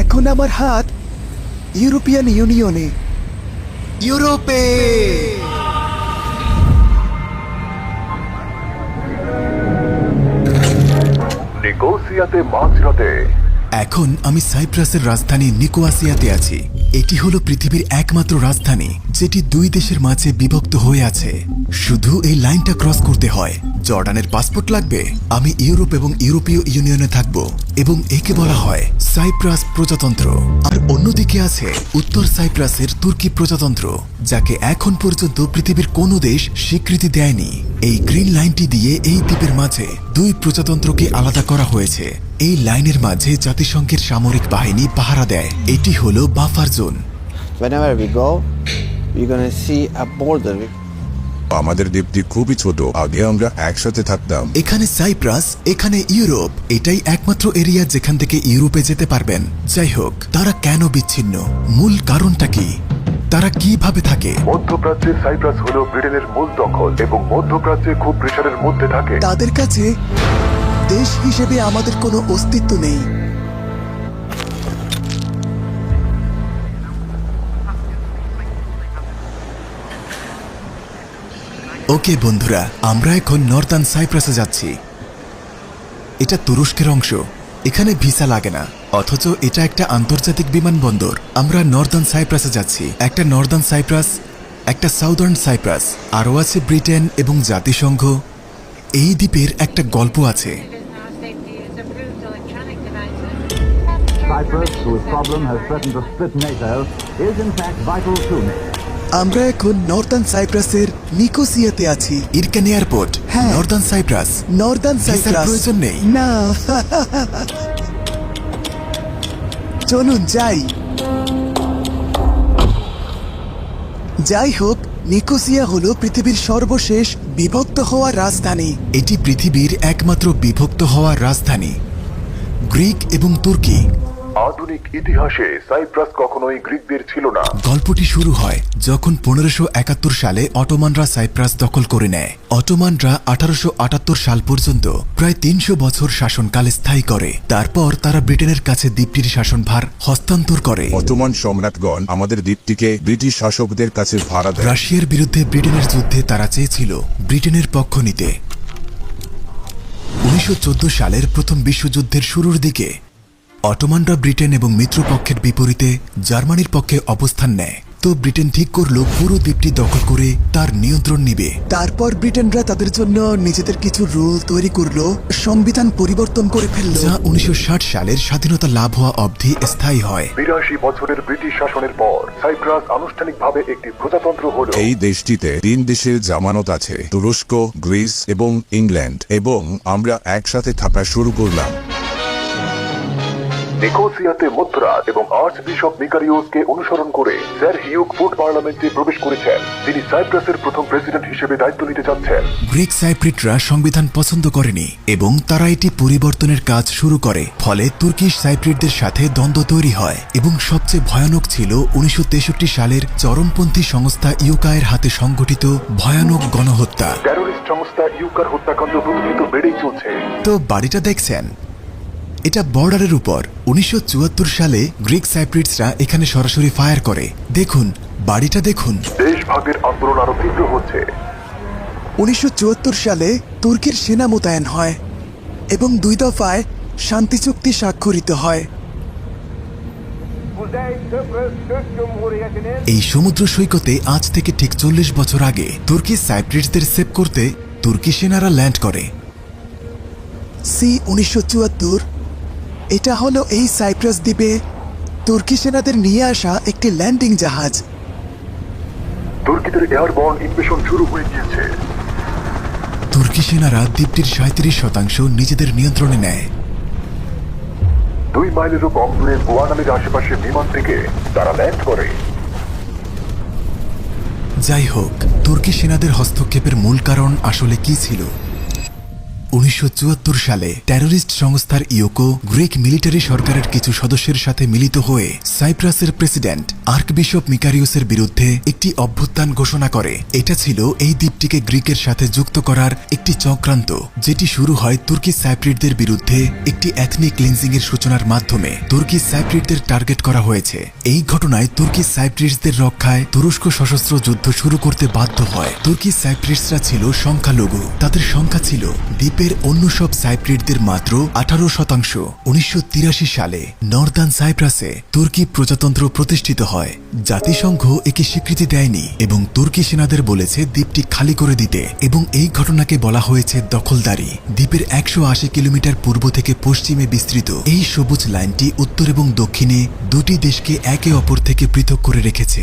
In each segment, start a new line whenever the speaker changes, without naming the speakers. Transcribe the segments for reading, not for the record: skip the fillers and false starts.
এখন আমার হাত ইউরোপিয়ান ইউনিয়নে, ইউরোপে।
নিকোসিয়াতে মাঝরাতে।
এখন আমি সাইপ্রাসের রাজধানী নিকোয়াসিয়াতে আছি। এটি হলো পৃথিবীর একমাত্র রাজধানী যেটি দুই দেশের মাঝে বিভক্ত হয়ে আছে। শুধু এই লাইনটা ক্রস করতে হয়। জর্ডানের পাসপোর্ট লাগবে। আমি ইউরোপ এবং ইউরোপীয় ইউনিয়নে থাকব এবং একে বলা হয় সাইপ্রাস প্রজাতন্ত্র। আর অন্যদিকে আছে উত্তর সাইপ্রাসের তুর্কি প্রজাতন্ত্র, যাকে এখন পর্যন্ত পৃথিবীর কোনো দেশ স্বীকৃতি দেয়নি। এই গ্রিন লাইনটি দিয়ে এই দ্বীপের মাঝে দুই প্রজাতন্ত্রকে আলাদা করা হয়েছে। এই লাইনের মাঝে জাতিসংঘের সামরিক বাহিনী পাহারা দেয়। এটি হলো buffer zone.
Whenever we go, we're gonna see a border.
আমাদের দ্বীপটি খুবই ছোট। আগে আমরা একসাথে থাকতাম।
এখানে সাইপ্রাস, এখানে ইউরোপ। এটাই একমাত্র এরিয়া যেখান থেকে ইউরোপে যেতে পারবেন। যাই হোক, তারা কেন বিচ্ছিন্ন? মূল কারণটা কি? তারা কিভাবে থাকে?
মধ্যপ্রাচ্যের সাইপ্রাস হলো ব্রিটেনের মূল দখল এবং মধ্যপ্রাচ্যে খুব প্রেসারের মধ্যে থাকে।
তাদের কাছে দেশ হিসেবে আমাদের কোনো অস্তিত্ব নেই।
ওকে বন্ধুরা, আমরা এখন নর্দার্ন সাইপ্রাসে যাচ্ছি। এটা তুরস্কের অংশ। এখানে ভিসা লাগে না, অথচ এটা একটা আন্তর্জাতিক বিমানবন্দর। আমরা নর্দার্ন সাইপ্রাসে যাচ্ছি। একটা নর্দার্ন সাইপ্রাস, একটা সাউদার্ন সাইপ্রাস, আরও আছে ব্রিটেন এবং জাতিসংঘ। এই দ্বীপের একটা গল্প আছে।
Cyprus, whose problem has threatened to split NATO, is in fact vital to NATO.
আমরা এখন নর্দার্ন সাইপ্রাসের নিকোসিয়াতে আছি।
ইরকান এয়ারপোর্ট,
হ্যাঁ।
Northern Cyprus.
নর্দার্ন
ভিসার
সাইপ্রাস
প্রয়োজন নেই।
না। চলুন যাই। যাই হোক, নিকোসিয়া হলো পৃথিবীর সর্বশেষ বিভক্ত হওয়া রাজধানী।
এটি পৃথিবীর একমাত্র বিভক্ত হওয়া রাজধানী। গ্রিক এবং তুর্কি।
আধুনিক ইতিহাসে সাইপ্রাস কখনোই গ্রিকদের ছিল না।
গল্পটি শুরু হয় যখন 1571 সালে অটোমানরা সাইপ্রাস দখল করে নেয়। অটোমানরা 1878 সাল পর্যন্ত প্রায় 300 বছর শাসনকাল স্থায়ী করে। তারপর তারা ব্রিটেনের কাছে দ্বীপটির শাসনভার হস্তান্তর করে।
অটোমান সম্রাটগণ আমাদের দ্বীপটিকে ব্রিটিশ শাসকদের কাছে ভাড়া দেয়।
রাশিয়ার বিরুদ্ধে ব্রিটেনের যুদ্ধে তারা চেয়েছিল ব্রিটেনের পক্ষ নিতে। 1914 সালের প্রথম বিশ্বযুদ্ধের শুরুর দিকে অটোমানরা ব্রিটেন এবং মিত্রপক্ষের বিপরীতে জার্মানির পক্ষে অবস্থান নেয়। তো ব্রিটেন ঠিক করলো পুরো দ্বীপটি দখল করে তার নিয়ন্ত্রণ নিবে।
তারপর ব্রিটেনরা তাদের জন্য নিজেদের কিছু রুল তৈরি করলো, সংবিধান পরিবর্তন করে ফেললো,
যা 1960 সালের স্বাধীনতা লাভ হওয়া অবধি স্থায়ী হয়।
82 বছরের ব্রিটিশ শাসনের পর সাইপ্রাস আনুষ্ঠানিকভাবে একটি প্রজাতন্ত্র হলো। এই দেশটিতে 3 দেশের জামানত আছে, তুরস্ক, গ্রিস এবং ইংল্যান্ড, এবং আমরা একসাথে থাকা শুরু করলাম। নিকোসিয়াতে মধ্যরাত এবং আর্চ বিশপ মিকারিওসকে অনুসরণ করে স্যার হিউগ ফুড পার্লামেন্টে প্রবেশ করেছেন। তিনি সাইপ্রাসের প্রথম প্রেসিডেন্ট হিসেবে দায়িত্ব নিতে যাচ্ছেন।
গ্রিক সাইপ্রিটরা সংবিধান পছন্দ করেনি এবং তারা এটি পরিবর্তনের কাজ শুরু করে। ফলে তুর্কিশ সাইপ্রিটদের সাথে দ্বন্দ্ব তৈরি হয় এবং সবচেয়ে ভয়ানক ছিল 1963 সালের চরমপন্থী সংস্থা ইউকায়ের হাতে সংগঠিত ভয়ানক গণহত্যা।
টেরোরিস্ট সংস্থা ইউকার হত্যাকাণ্ড প্রতিনিয়ত বেড়েই চলছে।
তো বাড়িটা দেখছেন, এটা বর্ডারের উপর। 1974 সালে গ্রিক সাইপ্রিটসরা এখানে সরাসরি ফায়ার করে। দেখুন, বাড়িটা দেখুন।
দেশভাগের আন্দোলন আরো তীব্র হচ্ছে।
1974 সালে তুর্কির সেনা মোতায়েন হয় এবং 2 দফায় শান্তি চুক্তি স্বাক্ষরিত হয়।
এই সমুদ্র সৈকতে আজ থেকে ঠিক 40 বছর আগে তুর্কি সাইপ্রিটসদের সেভ করতে তুর্কি সেনারা ল্যান্ড করে।
C-1974 এটা হলো এই সাইপ্রাস দ্বীপে তুর্কি সেনাদের নিয়ে আসা একটি ল্যান্ডিং জাহাজ।
তুর্কিদের এয়ারবর্ন ইনভেশন শুরু হয়ে গিয়েছে।
তুর্কি সেনারা দ্বীপটির 37% নিজেদের নিয়ন্ত্রণে নেয়।
2 মাইলেরও কম দূরে গোয়ানামের আশেপাশে বিমান থেকে তারা ল্যান্ড করে।
যাই হোক, তুর্কি সেনাদের হস্তক্ষেপের মূল কারণ আসলে কি ছিল? 1974 সালে টেররিস্ট সংস্থার ইয়োকো গ্রিক মিলিটারি সরকারের কিছু সদস্যের সাথে মিলিত হয়ে সাইপ্রাসের প্রেসিডেন্ট আর্কবিশপ মিকারিউসের বিরুদ্ধে একটি অভ্যুত্থান ঘোষণা করে। এটা ছিল এই দ্বীপটিকে গ্রিকের সাথে যুক্ত করার একটি চক্রান্ত, যেটি শুরু হয় তুর্কি সাইপ্রিটদের বিরুদ্ধে একটি এথনিক ক্লিনজিং এর সূচনার মাধ্যমে। তুর্কি সাইপ্রিটদের টার্গেট করা হয়েছে। এই ঘটনায় তুর্কি সাইপ্রিটসদের রক্ষায় তুরস্ক সশস্ত্র যুদ্ধ শুরু করতে বাধ্য হয়। তুর্কি সাইপ্রিটসরা ছিল সংখ্যালঘু, তাদের সংখ্যা ছিল দ্বীপের অন্য সব সাইপ্রিটদের মাত্র 18%। 1983 সালে নর্দার্ন সাইপ্রাসে তুর্কি প্রজাতন্ত্র প্রতিষ্ঠিত হয়। জাতিসংঘ একে স্বীকৃতি দেয়নি এবং তুর্কি সেনাদের বলেছে দ্বীপটি খালি করে দিতে, এবং এই ঘটনাকে বলা হয়েছে দখলদারি। দ্বীপের 180 কিলোমিটার পূর্ব থেকে পশ্চিমে বিস্তৃত এই সবুজ লাইনটি উত্তর এবং দক্ষিণে দুটি দেশকে একে অপর থেকে পৃথক করে রেখেছে।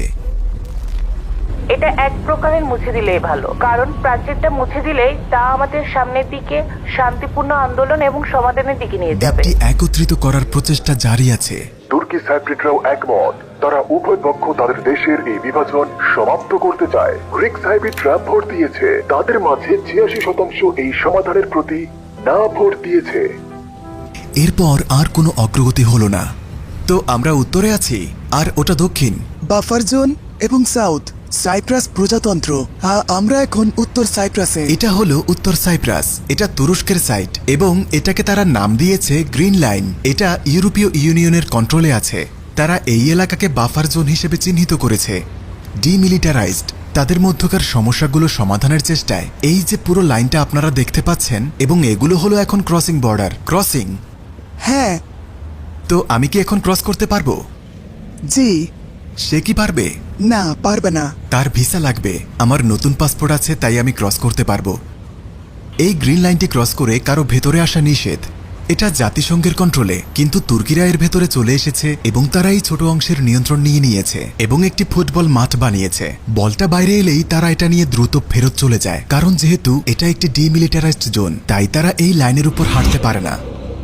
এটা এক প্রকারের মুছে দিলেই ভালো, কারণ প্রাচীরটা মুছে দিলেই তা আমাদের সামনের দিকে শান্তিপূর্ণ আন্দোলন এবং সমাধানের দিকে নিয়ে যাবে।
দ্বীপটি একত্রিত করার প্রচেষ্টা জারি আছে।
তুর্কি সাইপ্রিটরাও একমত। তারা উভয় পক্ষ তাদের দেশের এই বিভাজন সমাপ্ত করতে চায়। গ্রিক সাইপ্রিটরা ভোট দিয়েছে, তাদের মাঝে 86% এই সমাধানের প্রতি না ভোট দিয়েছে।
এরপর আর কোনো অগ্রগতি হলো না। তো আমরা উত্তরে আছি আর ওটা দক্ষিণ।
বাফার জোন এবং সাউথ সাইপ্রাস প্রজাতন্ত্র। আমরা এখন উত্তর সাইপ্রাসে।
এটা হলো উত্তর সাইপ্রাস। এটা তুরস্কের সাইট এবং এটাকে তারা নাম দিয়েছে গ্রিন লাইন। এটা ইউরোপীয় ইউনিয়নের কন্ট্রোলে আছে। তারা এই এলাকাকে বাফার জোন হিসেবে চিহ্নিত করেছে। ডিমিলিটারাইজড। তাদের মধ্যকার সমস্যাগুলো সমাধানের চেষ্টায় এই যে পুরো লাইনটা আপনারা দেখতে পাচ্ছেন, এবং এগুলো হলো এখন ক্রসিং বর্ডার। ক্রসিং।
হ্যাঁ।
তো আমি কি এখন ক্রস করতে পারবো?
জি।
সে কি পারবে?
না, পারবে না।
তার ভিসা লাগবে। আমার নতুন পাসপোর্ট আছে, তাই আমি ক্রস করতে পারবো। এই গ্রিন লাইনটি ক্রস করে কারো ভেতরে আসা নিষেধ। এটা জাতিসংঘের কন্ট্রোলে, কিন্তু তুর্কিরা এর ভেতরে চলে এসেছে এবং তারা এই ছোট অংশের নিয়ন্ত্রণ নিয়ে নিয়েছে এবং একটি ফুটবল মাঠ বানিয়েছে। বলটা বাইরে এলেই তারা এটা নিয়ে দ্রুত ফেরত চলে যায়, কারণ যেহেতু এটা একটি ডিমিলিটারাইজড জোন, তাই তারা এই লাইনের উপর হাঁটতে পারে না।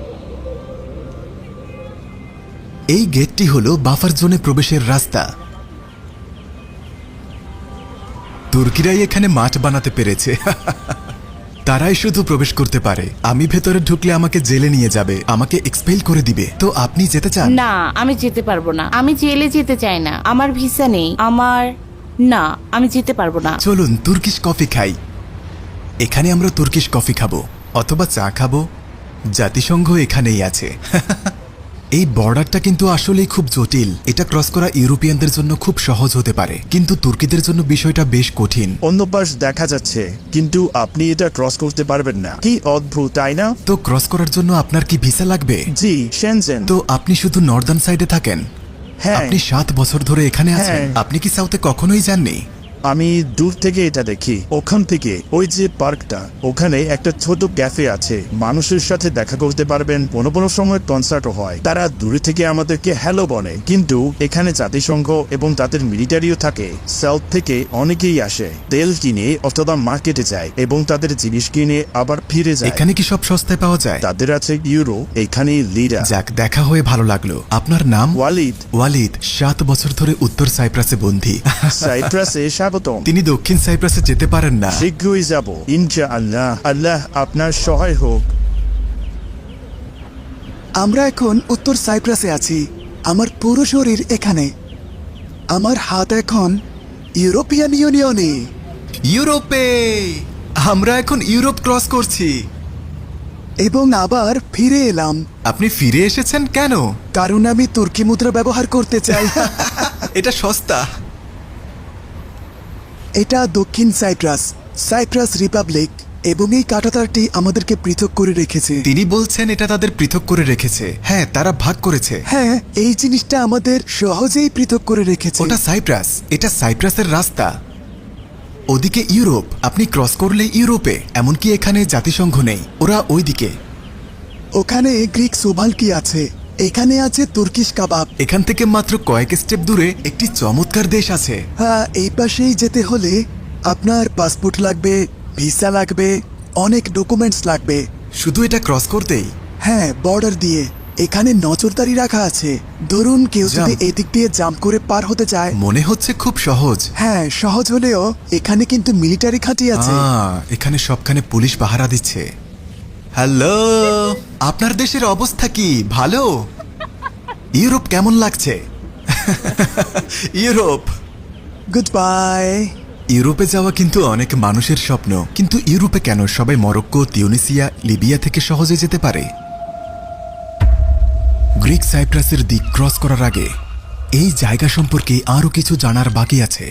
এই গেটটি হলো বাফার জোনে প্রবেশের রাস্তা। তুর্কিরাই এখানে মাঠ বানাতে পেরেছে। তারাই শুধু প্রবেশ করতে পারে। আমি ভেতরে ঢুকলে আমাকে জেলে নিয়ে যাবে, আমাকে এক্সপেল করে দিবে। তো আপনি যেতে চান?
না, আমি যেতে পারবো না। আমি জেলে যেতে চাই না। আমার ভিসা নেই। না, আমি যেতে পারবো না।
চলুন তুর্কিশ কফি খাই। এখানে আমরা তুর্কিশ কফি খাবো অথবা চা খাবো। জাতিসংঘ এখানেই আছে। এই বর্ডারটা কিন্তু আসলেই খুব জটিল। এটা ক্রস করা ইউরোপিয়ানদের জন্য খুব সহজ হতে পারে, কিন্তু তুর্কিদের জন্য বিষয়টা বেশ কঠিন।
অন্য পাশ দেখা যাচ্ছে, কিন্তু আপনি এটা ক্রস করতে পারবেন না। কি অদ্ভুত, তাই না?
তো ক্রস করার জন্য আপনার কি ভিসা লাগবে?
জি, শেনজেন।
তো আপনি শুধু নর্দার্ন সাইডে থাকেন?
হ্যাঁ।
আপনি 7 বছর ধরে এখানে আছেন।
হ্যাঁ।
আপনি কি সাউথে কখনোই যাননি?
আমি দূর থেকে এটা দেখি। ওখান থেকে ওই যে পার্কটা, ওখানে একটা ছোট ক্যাফে আছে। মানুষের সাথে দেখা করতে পারবেন। কোনো সময় কনসার্টও হয়। তারা দূরে থেকে আমাদেরকে হ্যালো বলে, কিন্তু এখানে জাতিসংঘ এবং তাদের মিলিটারিও থাকে। সাউথ থেকে অনেকেই আসে, তেল কিনে অথবা মার্কেটে যায় এবং তাদের জিনিস কিনে আবার ফিরে যায়।
এখানে কি সব সস্তায় পাওয়া যায়?
তাদের আছে ইউরো, এখানে লিরা।
যাক, দেখা হয়ে ভালো লাগলো। আপনার নাম?
ওয়ালিদ।
ওয়ালিদ 7 বছর ধরে উত্তর সাইপ্রাসে বন্দী।
সাইপ্রাসে স্বাগতম।
তিনি দক্ষিণ সাইপ্রাসে যেতে পারেন না।
শীঘ্রই যাব ইনশাআল্লাহ। আল্লাহ আপনার সহায় হোক।
আমরা এখন উত্তর সাইপ্রাসে আছি। আমার পুরো শরীর এখানে। আমার হাত এখন ইউরোপিয়ান ইউনিয়নে।
ইউরোপে! আমরা এখন ইউরোপ ক্রস করছি।
এবং আবার ফিরে এলাম।
আপনি ফিরে এসেছেন কেন?
কারণ আমি তুর্কি মুদ্রা ব্যবহার করতে চাই।
এটা সস্তা।
এটা দক্ষিণ সাইপ্রাস, সাইপ্রাস রিপাবলিক, এবং এই কাঁটাতারটি আমাদেরকে পৃথক করে রেখেছে।
তিনি বলছেন এটা তাদের পৃথক করে রেখেছে। হ্যাঁ, তারা ভাগ করেছে।
হ্যাঁ, এই জিনিসটা আমাদের সহজেই পৃথক করে রেখেছে।
ওটা সাইপ্রাস। এটা সাইপ্রাসের রাস্তা। ওদিকে ইউরোপ। আপনি ক্রস করলে ইউরোপে। এমনকি এখানে জাতিসংঘ নেই, ওরা ওইদিকে।
ওখানে গ্রিক সোভালকি আছে, এখানে আছে তুর্কিশ কাবাব।
এখান থেকে মাত্র কয়েক স্টেপ দূরে একটি চমৎকার দেশ আছে।
হ্যাঁ, এই পাশেই যেতে হলে আপনার পাসপোর্ট লাগবে, ভিসা লাগবে, অনেক ডকুমেন্টস লাগবে।
শুধু এটা ক্রস করতেই?
হ্যাঁ, বর্ডার দিয়ে। এখানে নজরদারি রাখা আছে। ধরুন কেউ যদি এদিক দিয়ে জাম্প করে পার হতে চায়।
মনে হচ্ছে খুব সহজ।
হ্যাঁ, সহজ হলেও এখানে কিন্তু মিলিটারি ঘাঁটি আছে।
এখানে সবখানে পুলিশ পাহারা দিচ্ছে। হ্যালো, আপনার দেশের অবস্থা কি? ভালো? ইউরোপ কেমন লাগছে? Europe,
good bye.
ইউরোপে যাওয়া কিন্তু অনেক মানুষের স্বপ্ন, কিন্তু ইউরোপে কেন সবাই মরক্কো, তিউনিসিয়া, লিবিয়া থেকে সহজে যেতে পারে? গ্রিক সাইপ্রাসের দিক ক্রস করার আগে এই জায়গা সম্পর্কে আরও কিছু জানার বাকি আছে।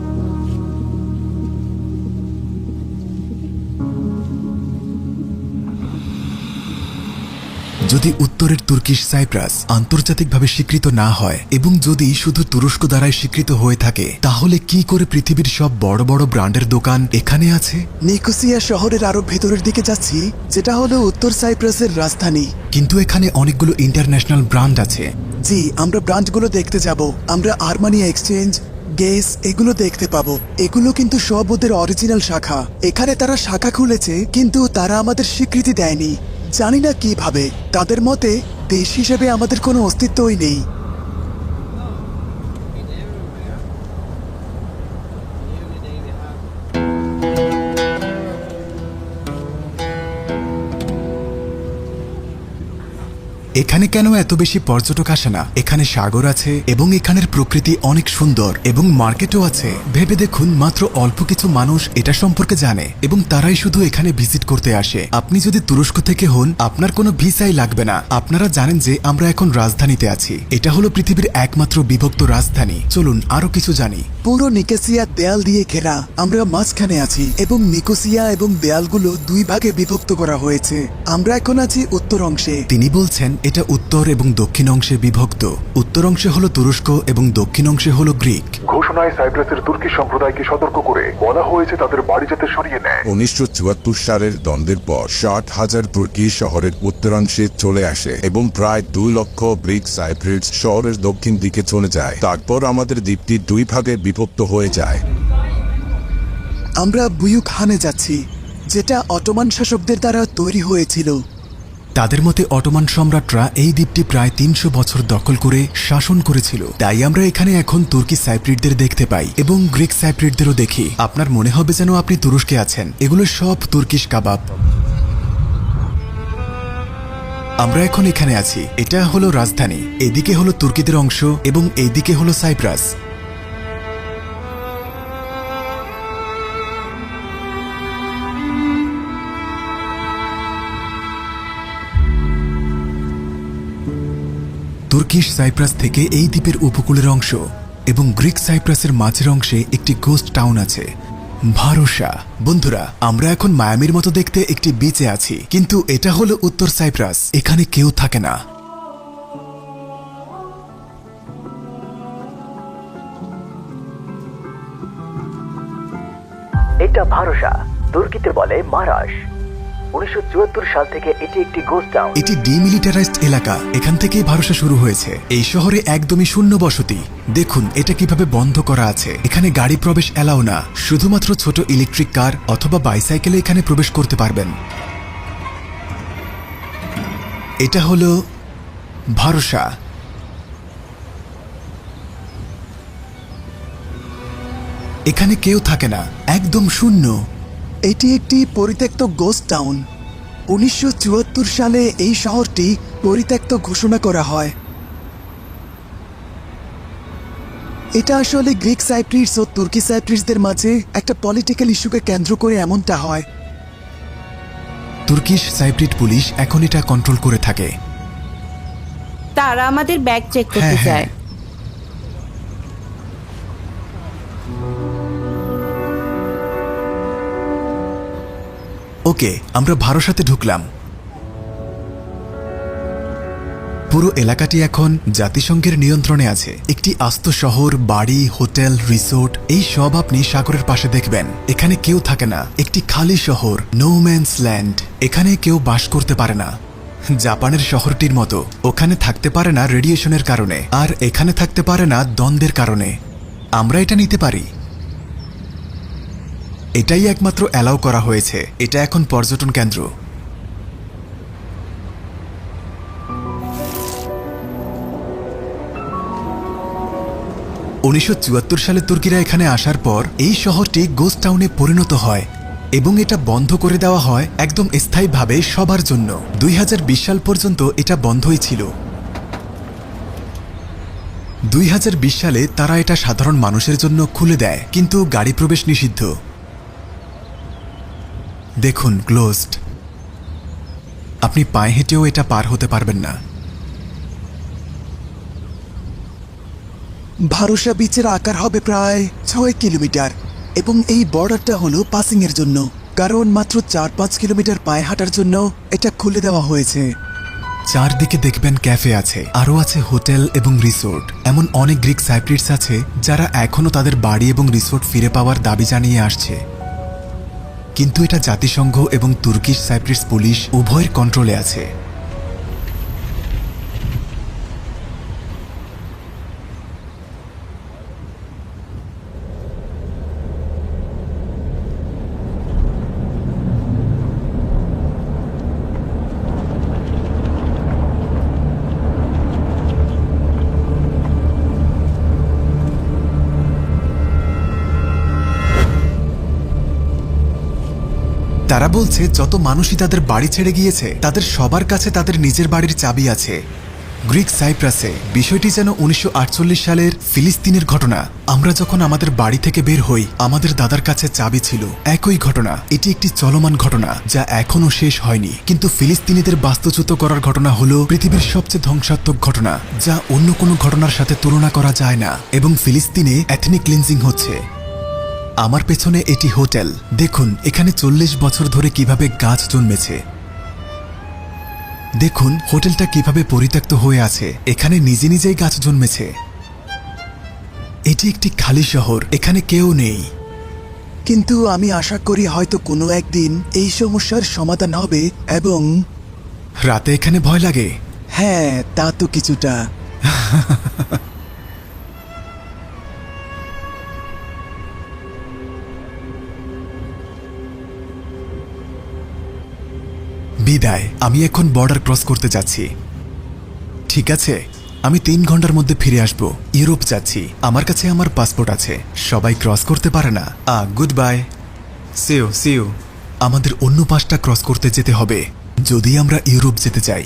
যদি উত্তরের তুর্কিশ সাইপ্রাস আন্তর্জাতিকভাবে স্বীকৃত না হয় এবং যদি শুধু তুরস্ক দ্বারাই স্বীকৃত হয়ে থাকে, তাহলে কি করে পৃথিবীর সব বড় বড় ব্র্যান্ডের দোকান এখানে আছে?
নিকোসিয়া শহরের আরো ভেতরের দিকে যাচ্ছি, যেটা হলো উত্তর সাইপ্রাসের রাজধানী।
কিন্তু এখানে অনেকগুলো ইন্টারন্যাশনাল ব্র্যান্ড আছে।
জি, আমরা ব্রান্ডগুলো দেখতে যাব। আমরা আর্মানিয়া এক্সচেঞ্জ, গেস এগুলো দেখতে পাবো। এগুলো কিন্তু সব ওদের অরিজিনাল শাখা। এখানে তারা শাখা খুলেছে, কিন্তু তারা আমাদের স্বীকৃতি দেয়নি। জানি না কিভাবে। তাদের মতে দেশ হিসেবে আমাদের কোনো অস্তিত্বই নেই।
এখানে কেন এত বেশি পর্যটক আসে না? এখানে সাগর আছে এবং এখানের প্রকৃতি অনেক সুন্দর এবং মার্কেটও আছে। ভেবে দেখুন, মাত্র অল্প কিছু মানুষ এটা সম্পর্কে জানে এবং তারাই শুধু এখানে ভিজিট করতে আসে। আপনি যদি তুরস্ক থেকে হন, আপনার কোনো ভিসাই লাগবে না। আপনারা জানেন যে আমরা এখন রাজধানীতে আছি। এটা হলো পৃথিবীর একমাত্র বিভক্ত রাজধানী। চলুন আরো কিছু জানি।
পুরো নিকোসিয়া দেয়াল দিয়ে ঘেরা। আমরা মাঝখানে আছি এবং নিকোসিয়া এবং দেয়ালগুলো দুই ভাগে বিভক্ত করা হয়েছে। আমরা এখন আছি উত্তর অংশে।
তিনি বলছেন এটা উত্তর এবং দক্ষিণ অংশে বিভক্ত। উত্তর অংশে হলো তুরস্ক এবং দক্ষিণ অংশে হলো গ্রিক।
ঘোষণায় সাইপ্রাসের তুর্কি সম্প্রদায়কে সতর্ক করে বলা হয়েছে তাদের বাড়ি যাতে সরিয়ে নেয়। 1974 সালের দ্বন্দ্বের পর 60,000 তুর্কি শহরের উত্তরাংশে চলে আসে এবং প্রায় 2 লক্ষ গ্রিক সাইপ্রিটস শহরের দক্ষিণ দিকে চলে যায়। তারপর আমাদের দ্বীপটি দুই ভাগে বিভক্ত হয়ে যায়।
আমরা বুয়ুক হানে যাচ্ছি, যেটা অটোমান শাসকদের দ্বারা তৈরি হয়েছিল।
তাদের মতে অটোমান সম্রাটরা এই দ্বীপটি প্রায় 300 বছর দখল করে শাসন করেছিল। তাই আমরা এখানে এখন তুর্কি সাইপ্রিটদের দেখতে পাই এবং গ্রিক সাইপ্রিটদেরও দেখি। আপনার মনে হবে যেন আপনি তুরস্কে আছেন। এগুলো সব তুর্কিশ কাবাব। আমরা এখন এখানে আছি। এটা হলো রাজধানী। এদিকে হলো তুর্কিদের অংশ এবং এইদিকে হলো সাইপ্রাস। তুর্কিশ সাইপ্রাস থেকে এই দ্বীপের উপকূলের অংশ এবং গ্রিক সাইপ্রাসের মাঝের অংশে একটি গোস্ট টাউন আছে, ভারসা। বন্ধুরা, আমরা এখন মায়ামির মতো দেখতে একটি বিচে আছি, কিন্তু এটা হলো উত্তর সাইপ্রাস। এখানে কেউ থাকে না।
এটা ভারসা, তুর্কিতে বলে মারাশ। 1974 সাল থেকে এটি একটি গোস্ট টাউন।
এটি ডিমিলিটারাইজড এলাকা। এখান থেকেই ভারসা শুরু হয়েছে। এই শহরে একদমই শূন্য বসতি। দেখুন এটা কিভাবে বন্ধ করা আছে। এখানে গাড়ি প্রবেশ এলাও না। শুধুমাত্র ছোট ইলেকট্রিক কার অথবা বাইসাইকেলে এখানে প্রবেশ করতে পারবেন। এটা হলো ভারসা। এখানে কেউ থাকে না, একদম শূন্য।
এটি একটি পরিত্যক্ত গোস্ট টাউন। 1974 সালে এই শহরটি পরিত্যক্ত ঘোষণা করা হয়। এটা আসলে গ্রিক সাইপ্রিটস ও তুর্কি সাইপ্রিটসদের মাঝে একটা পলিটিক্যাল ইস্যুকে কেন্দ্র করে এমনটা হয়।
তুর্কিশ সাইপ্রিট পুলিশ এখন এটা কন্ট্রোল করে থাকে।
তারা আমাদের ব্যাগ চেক করতে চায়।
ওকে, আমরা ভারসাতে ঢুকলাম। পুরো এলাকাটি এখন জাতিসংঘের নিয়ন্ত্রণে আছে। একটি আস্ত শহর, বাড়ি, হোটেল, রিসোর্ট এই সব আপনি সাগরের পাশে দেখবেন। এখানে কেউ থাকে না। একটি খালি শহর, নো ম্যানস ল্যান্ড। এখানে কেউ বাস করতে পারে না। জাপানের শহরটির মতো। ওখানে থাকতে পারে না রেডিয়েশনের কারণে, আর এখানে থাকতে পারে না দ্বন্দ্বের কারণে। আমরা এটা নিতে পারি। এটাই একমাত্র অ্যালাউ করা হয়েছে। এটা এখন পর্যটন কেন্দ্র। উনিশশো সালে তুর্কিরা এখানে আসার পর এই শহরটি গোস্ট টাউনে পরিণত হয়। এবং এটা বন্ধ করে দেওয়া হয় একদম স্থায়ীভাবে সবার জন্য। 2020 সাল পর্যন্ত এটা বন্ধই ছিল। 2020 সালে তারা এটা সাধারণ মানুষের জন্য খুলে দেয়, কিন্তু গাড়ি প্রবেশ নিষিদ্ধ। দেখুন, ক্লোজড। আপনি পায়ে হেঁটেও এটা পার হতে পারবেন না।
ভারসা বিচের আকার হবে প্রায় 6 কিলোমিটার এবং এই বর্ডারটা হলো পাসিং এর জন্য, কারণ মাত্র 4-5 কিলোমিটার পায়ে হাঁটার জন্য এটা খুলে দেওয়া হয়েছে।
চারদিকে দেখবেন ক্যাফে আছে, আরও আছে হোটেল এবং রিসোর্ট। এমন অনেক গ্রিক সাইপ্রিটস আছে যারা এখনও তাদের বাড়ি এবং রিসোর্ট ফিরে পাওয়ার দাবি জানিয়ে আসছে, কিন্তু এটা জাতিসংঘ এবং তুর্কিশ সাইপ্রিটস পুলিশ উভয়ের কন্ট্রোলে আছে। তারা বলছে যত মানুষই তাদের বাড়ি ছেড়ে গিয়েছে তাদের সবার কাছে তাদের নিজের বাড়ির চাবি আছে। গ্রিক সাইপ্রাসে বিষয়টি যেন 1948 সালের ফিলিস্তিনের ঘটনা। আমরা যখন আমাদের বাড়ি থেকে বের হই আমাদের দাদার কাছে চাবি ছিল, একই ঘটনা। এটি একটি চলমান ঘটনা যা এখনও শেষ হয়নি, কিন্তু ফিলিস্তিনিদের বাস্তুচ্যুত করার ঘটনা হলো পৃথিবীর সবচেয়ে ধ্বংসাত্মক ঘটনা, যা অন্য কোনো ঘটনার সাথে তুলনা করা যায় না। এবং ফিলিস্তিনে এথনিক ক্লিনজিং হচ্ছে। আমার পেছনে এটি হোটেল। দেখুন এখানে 40 বছর ধরে কিভাবে গাছ জন্মেছে। দেখুন হোটেলটা কিভাবে পরিত্যক্ত হয়ে আছে, এখানে নিজে নিজেই গাছ জন্মেছে। এটি একটি খালি শহর, এখানে কেউ নেই।
কিন্তু আমি আশা করি হয়তো কোনো একদিন এই সমস্যার সমাধান হবে। এবং
রাতে এখানে ভয় লাগে?
হ্যাঁ, তা তো কিছুটা।
বিদায়, আমি এখন বর্ডার ক্রস করতে যাচ্ছি। ঠিক আছে, আমি 3 ঘন্টার মধ্যে ফিরে আসব। ইউরোপ যাচ্ছি, আমার কাছে আমার পাসপোর্ট আছে। সবাই ক্রস করতে পারে না। গুড বাই, সিও। আমাদের অন্য পাশটা ক্রস করতে যেতে হবে যদি আমরা ইউরোপ যেতে চাই।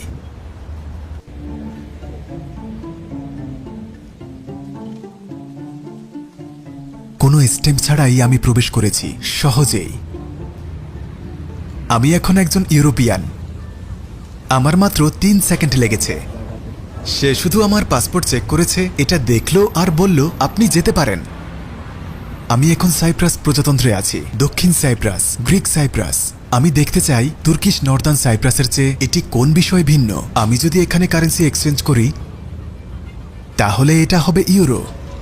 কোনো স্টেপ ছাড়াই আমি প্রবেশ করেছি, সহজেই। আমি এখন একজন ইউরোপিয়ান। আমার মাত্র 3 সেকেন্ড লেগেছে। সে শুধু আমার পাসপোর্ট চেক করেছে, এটা দেখলো আর বলল আপনি যেতে পারেন। আমি এখন সাইপ্রাস প্রজাতন্ত্রে আছি, দক্ষিণ সাইপ্রাস, গ্রিক সাইপ্রাস। আমি দেখতে চাই তুর্কিশ নর্দার্ন সাইপ্রাসের চেয়ে এটি কোন বিষয়ে ভিন্ন। আমি যদি এখানে কারেন্সি এক্সচেঞ্জ করি তাহলে এটা হবে ইউরো।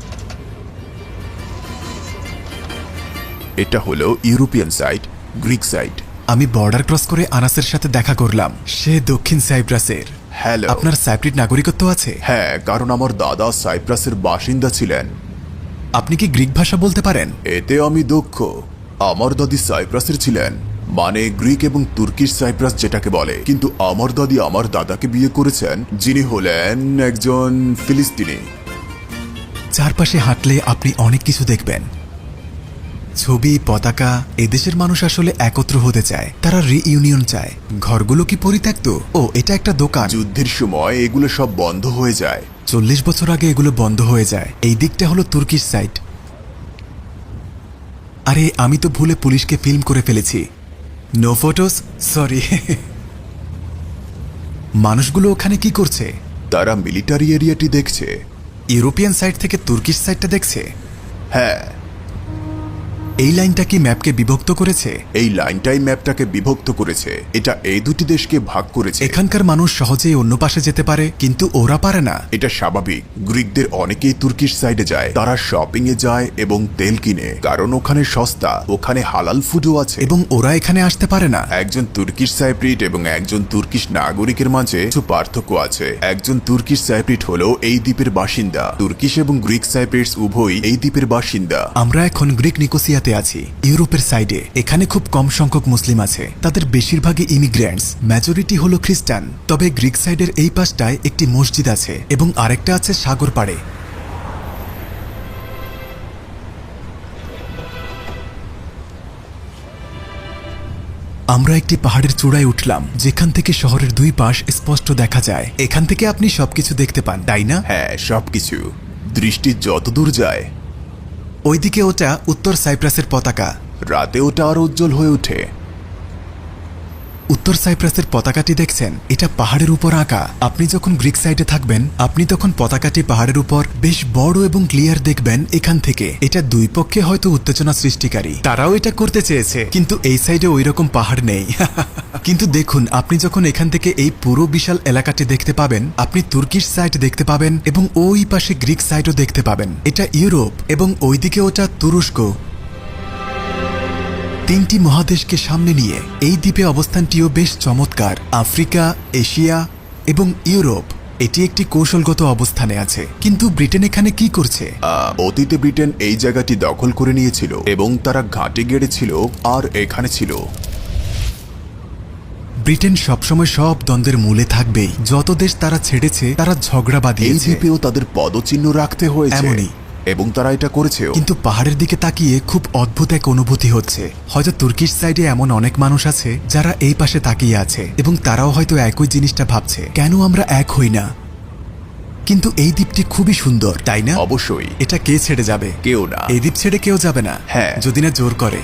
এটা হলো ইউরোপিয়ান সাইড, গ্রিক সাইড।
আমি বর্ডার ক্রস করে আনাসের সাথে দেখা করলাম। সে দক্ষিণ সাইপ্রাসের।
হ্যালো।
আপনার সাইপ্রিট নাগরিকত্ব আছে?
হ্যাঁ, কারণ আমার দাদা সাইপ্রাসের বাসিন্দা ছিলেন।
আপনি কি গ্রিক ভাষা বলতে পারেন?
এতে আমি দক্ষ। আমার দাদি সাইপ্রাসের ছিলেন, মানে গ্রিক এবং তুর্কিশ সাইপ্রাস যেটাকে বলে। কিন্তু আমার দাদি আমার দাদাকে বিয়ে করেছেন, যিনি হলেন একজন ফিলিস্তিনি।
চারপাশে হাঁটলে আপনি অনেক কিছু দেখবেন, ছবি, পতাকা। এদেশের মানুষ আসলে একত্র হতে চায়, তারা রিইউনিয়ন চায়। ঘরগুলো কি পরিত্যক্ত? ও, এটা একটা দোকান।
যুদ্ধের সময় এগুলো সব বন্ধ হয়ে যায়।
40 বছর আগে এগুলো বন্ধ হয়ে যায়। এই দিকটা হলো তুর্কিশ সাইট। আরে, আমি তো ভুলে পুলিশকে ফিল্ম করে ফেলেছি। No photos, sorry. মানুষগুলো ওখানে কি করছে?
তারা মিলিটারি এরিয়াটি দেখছে।
ইউরোপিয়ান সাইড থেকে তুর্কিশ সাইডটা দেখছে।
হ্যাঁ।
এই লাইনটা কি ম্যাপকে বিভক্ত করেছে?
এই লাইনটাই ম্যাপটাকে বিভক্ত করেছে। এটা এই দুটি দেশকে ভাগ করেছে।
এখানকার মানুষ সহজেই অন্য পাশে যেতে পারে, কিন্তু ওরা পারে না।
এটা স্বাভাবিক। গ্রিকদের অনেকেই তুর্কিশ সাইডে যায়। তারা শপিং এ যায় এবং তেল কিনে, কারণ ওখানে সস্তা, ওখানে হালাল ফুডও আছে।
এবং ওরা এখানে আসতে পারে না।
একজন তুর্কিশ সাইপ্রিট এবং একজন তুর্কিশ নাগরিকের মাঝে কিছু পার্থক্য আছে। একজন তুর্কিশ সাইপ্রিট হলো এই দ্বীপের বাসিন্দা। তুর্কিশ এবং গ্রিক সাইপ্রিটস উভয়ই এই দ্বীপের বাসিন্দা।
আমরা এখন গ্রিক নিকোসিয়াতে আছি, ইউরোপের সাইডে। এখানে খুব কম সংখ্যক মুসলিম আছে, তাদের বেশিরভাগই ইমিগ্রেন্টস, মেজরিটি হলো খ্রিস্টান। তবে গ্রিক সাইডের এই পাশটায় একটি মসজিদ আছে এবং আরেকটা আছে সাগর পাড়ে। আমরা একটি পাহাড়ের চূড়ায় উঠলাম, যেখান থেকে শহরের দুই পাশ স্পষ্ট দেখা যায়। এখান থেকে আপনি সবকিছু দেখতে পান, তাই না?
হ্যাঁ, সবকিছু। দৃষ্টি যতদূর যায়।
ওইদিকে ওটা উত্তর সাইপ্রাসের পতাকা।
রাতে ওটা আরো উজ্জ্বল হয়ে ওঠে।
উত্তর সাইপ্রাসের পতাকাটি দেখছেন, এটা পাহাড়ের উপর আঁকা। আপনি যখন গ্রিক সাইডে থাকবেন, আপনি তখন পতাকাটি পাহাড়ের উপর বেশ বড় এবং ক্লিয়ার দেখবেন এখান থেকে। এটা দুই পক্ষে হয়তো উত্তেজনা সৃষ্টিকারী, তারাও এটা করতে চেয়েছে, কিন্তু এই সাইডে ওই রকম পাহাড় নেই। কিন্তু দেখুন, আপনি যখন এখান থেকে এই পুরো বিশাল এলাকাটি দেখতে পাবেন, আপনি তুর্কিশ সাইড দেখতে পাবেন এবং ওই পাশে গ্রিক সাইডও দেখতে পাবেন। এটা ইউরোপ এবং ওইদিকে ওটা তুরস্ক। তিনটি মহাদেশকে সামনে নিয়ে এই দ্বীপে অবস্থানটিও বেশ চমৎকার। আফ্রিকা, এশিয়া এবং ইউরোপ এটি একটি কৌশলগত অবস্থানে আছে। কিন্তু ব্রিটেন এখানে কি করছে?
অতীতে ব্রিটেন এই জায়গাটি দখল করে নিয়েছিল এবং তারা ঘাঁটি গেড়েছিল আর এখানে ছিল।
ব্রিটেন সবসময় সব দ্বন্দ্বের মূলে থাকবেই। যত দেশ তারা ছেড়েছে, তারা ঝগড়া
এই
বাঁধিয়েছে।
দ্বীপেও তাদের পদচিহ্ন রাখতে হয়েছে,
এমনই।
এবং তারা এটা করেছেও।
কিন্তু পাহাড়ের দিকে তাকিয়ে খুব অদ্ভুত এক অনুভূতি হচ্ছে। হয়তো তুর্কিশ সাইডে এমন অনেক মানুষ আছে যারা এই পাশে তাকিয়ে আছে এবং তারাও হয়তো একই জিনিসটা ভাবছে, কেন আমরা এক হই না? কিন্তু এই দ্বীপটি খুবই সুন্দর, তাই না?
অবশ্যই।
এটা কে ছেড়ে যাবে?
কেউ না।
এই দ্বীপ ছেড়ে কেউ যাবে না,
হ্যাঁ,
যদি না জোর করে।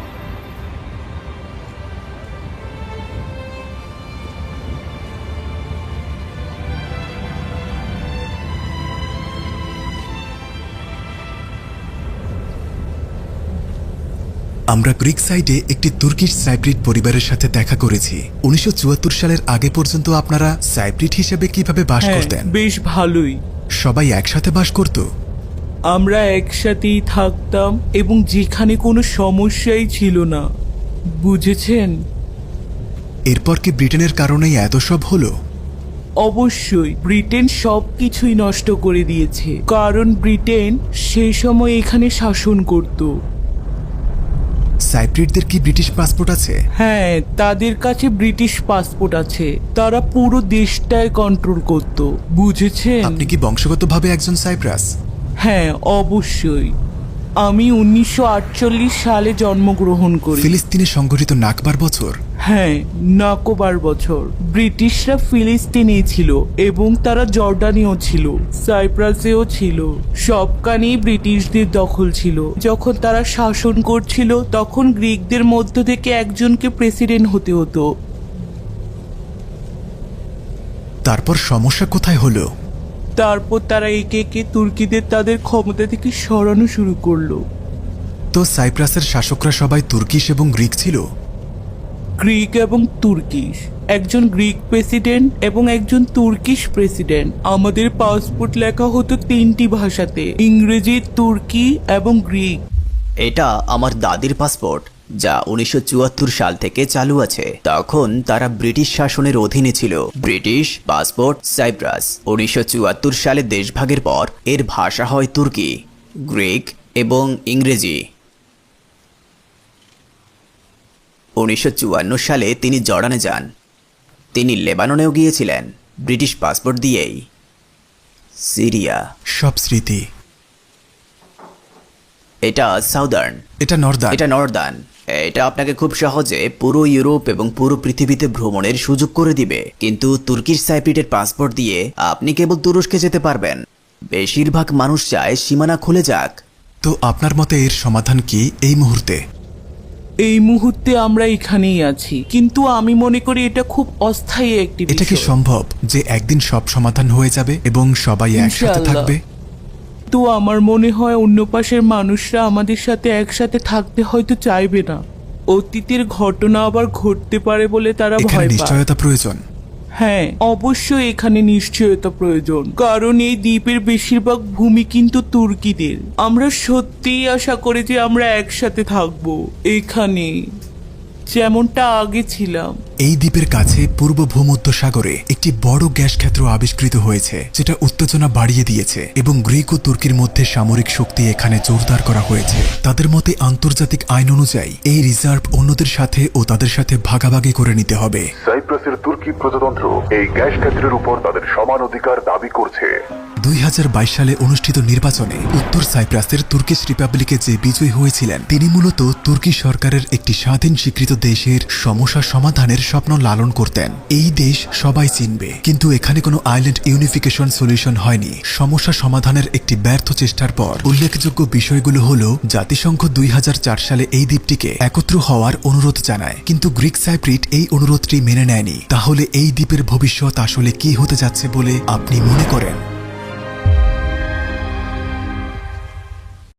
আমরা গ্রিক সাইডে একটি তুর্কিশ সাইপ্রিট পরিবারের সাথে দেখা করেছি। 1974 সালের আগে পর্যন্ত আপনারা সাইপ্রিট হিসেবে কিভাবে বাস করতেন?
বেশ ভালোই।
সবাই একসাথে বাস করত?
আমরা একসাথেই থাকতাম এবং যেখানে কোনো সমস্যাই ছিল না, বুঝেছেন?
এরপর কি ব্রিটেনের কারণেই এত সব হলো?
অবশ্যই, ব্রিটেন সবকিছুই নষ্ট করে দিয়েছে, কারণ ব্রিটেন সেই সময় এখানে শাসন করত।
সাইপ্রিটদের কি ব্রিটিশ পাসপোর্ট আছে?
হ্যাঁ, তাদের কাছে ব্রিটিশ পাসপোর্ট আছে। তারা পুরো দেশটায় কন্ট্রোল করত, বুঝেছেন?
আপনি কি বংশগতভাবে একজন সাইপ্রাস?
হ্যাঁ, অবশ্যই। আমি 1948 সালে জন্মগ্রহণ করি।
ফিলিস্তিনে সংঘটিত নাকবার বছর?
হ্যাঁ, নাকবার বছর। ব্রিটিশরা ফিলিস্তিনে ছিল এবং তারা জর্ডানেও ছিল, সাইপ্রাসেও ছিল। সবখানেই ব্রিটিশদের দখল ছিল। যখন তারা শাসন করছিল, তখন গ্রিকদের মধ্য থেকে একজনকে প্রেসিডেন্ট হতে হতো।
তারপর সমস্যা কোথায় হলো?
তারপর তারা একে একে তুর্কিদের তাদের ক্ষমতা থেকে সরানো শুরু করলো।
তো সাইপ্রাসের শাসকরা সবাই তুর্কিশ এবং গ্রিক ছিল?
গ্রিক এবং তুর্কিশ, একজন গ্রিক প্রেসিডেন্ট এবং একজন তুর্কিশ প্রেসিডেন্ট। আমাদের পাসপোর্ট লেখা হতো 3টি ভাষাতে, ইংরেজি, তুর্কি এবং গ্রিক।
এটা আমার দাদির পাসপোর্ট, যা 1974 সাল থেকে চালু আছে। তখন তারা ব্রিটিশ শাসনের অধীনে ছিল। British passport cypress. 1974 সালে দেশভাগের পর এর ভাষা হয় তুর্কি, গ্রিক এবং ইংরেজি। 1954 সালে তিনি জর্ডানে যান। তিনি লেবাননেও গিয়েছিলেন ব্রিটিশ পাসপোর্ট দিয়েই। সিরিয়া।
সব স্মৃতি।
এটা সাউদার্ন।
এটা নর্দার্ন।
এটা নর্দার্ন। এটা আপনাকে খুব সহজে পুরো ইউরোপ এবং পুরো পৃথিবীতে ভ্রমণের সুযোগ করে দিবে। কিন্তু তুর্কিশ সাইপ্রিটের পাসপোর্ট দিয়ে আপনি কেবল তুরস্কে যেতে পারবেন। বেশিরভাগ মানুষ চায় সীমানা খুলে যাক।
তো আপনার মতে এর সমাধান কি এই মুহূর্তে?
এই মুহূর্তে আমরা এখানেই আছি, কিন্তু আমি মনে করি এটা খুব অস্থায়ী একটি বিষয়।
এটা কি সম্ভব যে একদিন সব সমাধান হয়ে যাবে এবং সবাই একসাথে থাকবে?
তো আমার মনে হয় অন্য পাশের মানুষরা আমাদের সাথে একসাথে থাকতে হয়তো চাইবে না। অতীতের ঘটনা আবার ঘটতে পারে বলে তারা ভয় পায়।
নিশ্চয়তা প্রয়োজন।
হ্যাঁ, অবশ্যই এখানে নিশ্চয়তা প্রয়োজন, কারণ এই দ্বীপের বেশিরভাগ ভূমি কিন্তু তুর্কিদের। আমরা সত্যিই আশা করি যে আমরা একসাথে থাকবো এখানে, যেমনটা আগে ছিলাম।
এই দ্বীপের কাছে পূর্ব ভূমধ্য সাগরে একটি বড় গ্যাস ক্ষেত্র আবিষ্কৃত হয়েছে, যেটা উত্তেজনা বাড়িয়ে দিয়েছে এবং গ্রিক ও তুর্কির মধ্যে সামরিক শক্তি এখানে জোরদার করা হয়েছে। তাদের মতে আন্তর্জাতিক আইন অনুযায়ী এই রিজার্ভ অন্যদের সাথে ও তাদের সাথে ভাগাভাগি করে নিতে হবে।
সাইপ্রাসের তুর্কি প্রজাতন্ত্র এই গ্যাস ক্ষেত্রের উপর তাদের সমান অধিকার দাবি করছে।
2022 সালে অনুষ্ঠিত নির্বাচনে উত্তর সাইপ্রাসের তুর্কিশ রিপাবলিকে যে বিজয়ী হয়েছিলেন তিনি মূলত তুর্কি সরকারের একটি স্বাধীন স্বীকৃত দেশের সমস্যা সমাধানের স্বপ্ন লালন করতেন। এই দেশ সবাই চিনবে, কিন্তু এখানে কোনো আইল্যান্ড ইউনিফিকেশন সলিউশন হয়নি। সমস্যা সমাধানের একটি ব্যর্থ চেষ্টার পর উল্লেখযোগ্য বিষয়গুলো হলো জাতিসংঘ 2004 সালে এই দ্বীপটিকে একত্র হওয়ার অনুরোধ জানায়, কিন্তু গ্রিক সাইপ্রিট এই অনুরোধটি মেনে নেয়নি। তাহলে এই দ্বীপের ভবিষ্যৎ আসলে কি হতে যাচ্ছে বলে আপনি মনে করেন?